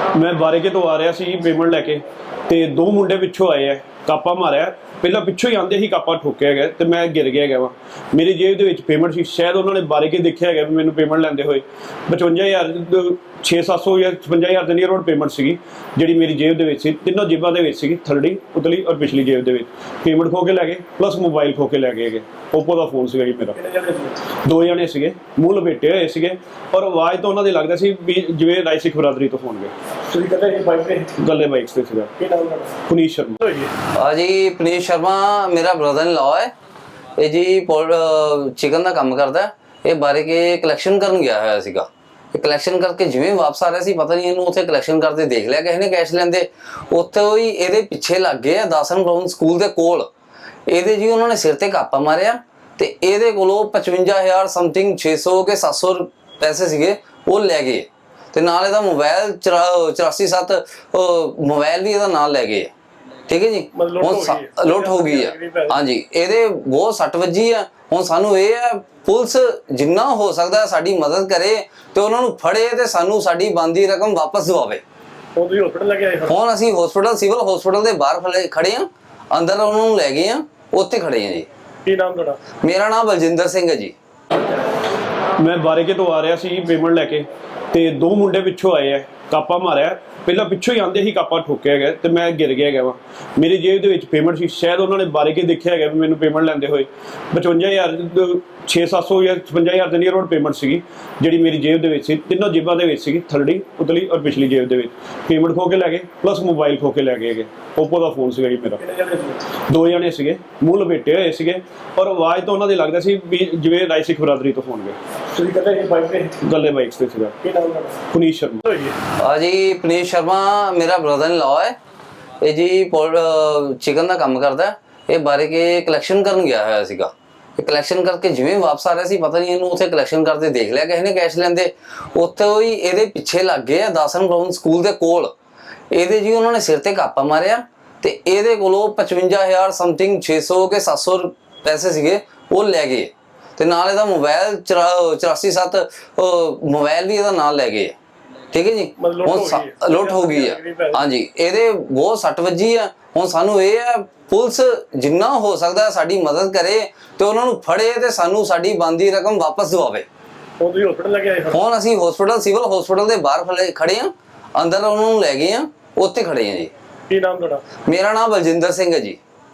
मैं बारेके तो आ रहा सी पेमेंट लैके ते दो मुंडे पिछों आए है कापा मारिया ਪਹਿਲਾਂ ਪਿੱਛੋਂ ਹੀ ਆਂਦੇ ਹੀ ਕਾਪਾ ਠੋਕਿਆ ਗਿਆ ਤੇ ਮੈਂ ਗਿਰ ਗਿਆ ਵਾ ਮੇਰੀ ਜੇਬ ਦੇ ਵਿੱਚ ਪੇਮੈਂਟ ਸੀ ਸ਼ਾਇਦ ਉਹਨਾਂ ਨੇ ਬਾਰੇ ਕੇ ਦੇਖਿਆ ਗਿਆ ਵੀ ਮੈਨੂੰ ਪੇਮੈਂਟ ਲੈਂਦੇ ਹੋਏ 55000 6-700 ਜਾਂ 55000 ਦੇ ਨੀਅਰ ਅਬਾਊਟ ਪੇਮੈਂਟ ਸੀਗੀ ਜਿਹੜੀ ਮੇਰੀ ਜੇਬ ਦੇ ਵਿੱਚ ਸੀ ਤਿੰਨੋਂ ਜੇਬਾਂ ਦੇ ਵਿੱਚ ਸੀਗੀ ਥਰਡੀ ਉਤਲੀ ਔਰ ਪਿਛਲੀ ਜੇਬ ਦੇ ਵਿੱਚ ਪੇਮੈਂਟ ਖੋ ਕੇ ਲੈ ਗਏ ਪਲੱਸ ਮੋਬਾਈਲ ਖੋ ਕੇ ਲੈ ਗਏ ਹੈਗੇ ਓਪੋ ਦਾ ਫੋਨ ਸੀਗਾ ਜੀ ਮੇਰਾ ਦੋ ਜਣੇ ਸੀਗੇ ਮੂੰਹ ਲਪੇਟੇ ਹੋਏ ਸੀਗੇ ਔਰ ਆਵਾਜ਼ ਤਾਂ ਉਹਨਾਂ ਦੀ ਲੱਗਦਾ ਸੀ ਵੀ ਜਿਵੇਂ ਰਾਈ ਸਿੱਖ ਬਰਾਦਰੀ ਤੋਂ ਹੋਣਗੇ ਤੁਸੀਂ ਕਹਿੰਦੇ ਇਹ ਬਾਈਕ ਤੇ ਗੱਲੇ ਬਾਈਕਸ ਤੇ ਸੀਗਾ ਕੀ ਨਾਮ ਹੈ ਪੁਨੀਸ਼ ਸ਼ਰਮਾ हाँ जी पुनीश शर्मा मेरा ब्रदर इन लॉ है ये जी चिकन का काम करता है ये बारे के कलैक्शन करन गया है सीगा कलैक्शन करके जिवें वापस आ रहा सी पता नहीं इन्हू उत्थे कलैक्शन करते देख लिया किसी ने कैश लेंदे उत्थे ही इहदे पिछे लग गए दासन ग्राउंड स्कूल दे कोल इहदे जी उन्होंने सिर ते कापा मारिया ते इहदे कोलों 55,000 समथिंग 600 के 700 पैसे सीगे वो लै गए ते नाल इहदा मोबाइल 84-7 मोबाइल भी इहदा नाल लै गए ठीक है जी लुट हो गई है हाँ जी ਇਹਦੇ ਬਹੁਤ ਸੱਟ ਵੱਜੀ ਆ ਹੁਣ ਸਾਨੂੰ ਇਹ ਹੈ ਪੁਲਿਸ ਜਿੰਨਾ ਹੋ ਸਕਦਾ ਸਾਡੀ ਮਦਦ ਕਰੇ ਤੇ ਉਹਨਾਂ ਨੂੰ ਫੜੇ ਤੇ ਸਾਨੂੰ ਸਾਡੀ ਬੰਦੀ ਰਕਮ ਵਾਪਸ ਦਿਵਾਵੇ ਤੁਸੀਂ ਹਸਪੀਟਲ ਲੈ ਕੇ ਆਏ ਹੁਣ ਅਸੀਂ ਹਸਪੀਟਲ ਸਿਵਲ ਹਸਪੀਟਲ ਦੇ ਬਾਹਰ ਖੜੇ ਆ ਅੰਦਰ ਉਹਨਾਂ ਨੂੰ ਲੈ ਗਏ ਆ ਉੱਥੇ ਖੜੇ ਆ ਜੀ ਕੀ ਨਾਮ ਤੁਹਾਡਾ ਮੇਰਾ ਨਾਮ ਬਲਜਿੰਦਰ ਸਿੰਘ ਹੈ ਜੀ ਮੈਂ ਬਾਰੇਕੇ ਤੋਂ ਆ ਰਿਹਾ ਸੀ ਪੇਮੈਂਟ ਲੈ ਕੇ ਤੇ ਦੋ ਮੁੰਡੇ ਪਿੱਛੋਂ ਆਏ ਹੈ ਕਾਪਾ ਮਾਰਿਆ ਪਹਿਲਾਂ ਪਿੱਛੋਂ ਹੀ ਆਂਦੇ ਹੀ ਕਾਪਾ ਠੋਕਿਆ ਗਿਆ ਤੇ ਮੈਂ ਗਿਰ ਗਿਆ ਵਾ ਮੇਰੀ ਜੇਬ ਦੇ ਵਿੱਚ ਪੇਮੈਂਟ ਸੀ ਸ਼ਾਇਦ ਉਹਨਾਂ ਨੇ ਬਾਰੇਕੇ ਦੇਖਿਆ ਗਿਆ ਵੀ ਮੈਨੂੰ ਪੇਮੈਂਟ ਲੈਂਦੇ ਹੋਏ 55000 6-700 ਜਾਂ 55000 ਦੇ ਨੀਅਰ ਅਬਾਊਟ ਪੇਮੈਂਟ ਸੀਗੀ ਜਿਹੜੀ ਮੇਰੀ ਜੇਬ ਦੇ ਵਿੱਚ ਸੀ ਤਿੰਨੋਂ ਜੇਬਾਂ ਦੇ ਵਿੱਚ ਸੀਗੀ ਥਰਡੀ ਉਤਲੀ ਔਰ ਪਿਛਲੀ ਜੇਬ ਦੇ ਵਿੱਚ ਪੇਮੈਂਟ ਖੋ ਕੇ ਲੈ ਗਏ ਪਲੱਸ ਮੋਬਾਈਲ ਖੋ ਕੇ ਲੈ ਗਏ ਹੈਗੇ ਓਪੋ ਦਾ ਫੋਨ ਸੀਗਾ ਜੀ ਮੇਰਾ ਦੋ ਜਣੇ ਸੀਗੇ ਮੂੰਹ ਲਪੇਟੇ ਹੋਏ ਸੀਗੇ ਔਰ ਆਵਾਜ਼ ਤਾਂ ਉਹਨਾਂ ਦੀ ਲੱਗਦਾ ਸੀ ਵੀ ਜਿਵੇਂ ਰਾਈ ਸਿੱਖ ਬਰਾਦਰੀ ਤੋਂ ਹੋਣਗੇ ਤੁਸੀਂ ਕਹਿੰਦੇ ਇਹ ਬਾਈਕ ਤੇ ਗੱਲੇ ਬਾਈਕਸ ਤੇ ਸੀਗਾ ਕੀ ਨਾਮ ਤੁਹਾਡਾ ਪੁਨੀਸ਼ ਸ਼ਰਮਾ हाँ जी पुनीश शर्मा मेरा ब्रदर इन लॉ है ये जी चिकन का काम करता है ये बारे के कलैक्शन करन गया है सीगा कलैक्शन करके जिवें वापस आ रहा सी पता नहीं इन्हू उत्थे कलैक्शन करते देख लिया किसी ने कैश लेंदे उत्थे ही इहदे पिछे लग गए दासन ग्राउंड स्कूल दे कोल इहदे जी उन्होंने सिर ते कापा मारिया ते इहदे कोलों 55,000 समथिंग 600 के 700 पैसे सीगे वो लै गए ते नाल इहदा मोबाइल 84-7 मोबाइल भी इहदा नाल लै गए ठीक है जी लुट हो गई है हाँ जी ਇਹਦੇ ਬਹੁਤ ਸੱਟ ਵੱਜੀ ਆ ਹੁਣ ਸਾਨੂੰ ਇਹ ਹੈ ਪੁਲਿਸ ਜਿੰਨਾ ਹੋ ਸਕਦਾ ਸਾਡੀ ਮਦਦ ਕਰੇ ਤੇ ਉਹਨਾਂ ਨੂੰ ਫੜੇ ਤੇ ਸਾਨੂੰ ਸਾਡੀ ਬੰਦੀ ਰਕਮ ਵਾਪਸ ਦਿਵਾਵੇ ਤੁਸੀਂ ਹਸਪੀਟਲ ਲੈ ਕੇ ਆਏ ਹੁਣ ਅਸੀਂ ਹਸਪੀਟਲ ਸਿਵਲ ਹਸਪੀਟਲ ਦੇ ਬਾਹਰ ਖੜੇ ਆ ਅੰਦਰ ਉਹਨਾਂ ਨੂੰ ਲੈ ਗਏ ਆ ਉੱਥੇ ਖੜੇ ਆ ਜੀ ਕੀ ਨਾਮ ਤੁਹਾਡਾ ਮੇਰਾ ਨਾਮ ਬਲਜਿੰਦਰ ਸਿੰਘ ਹੈ ਜੀ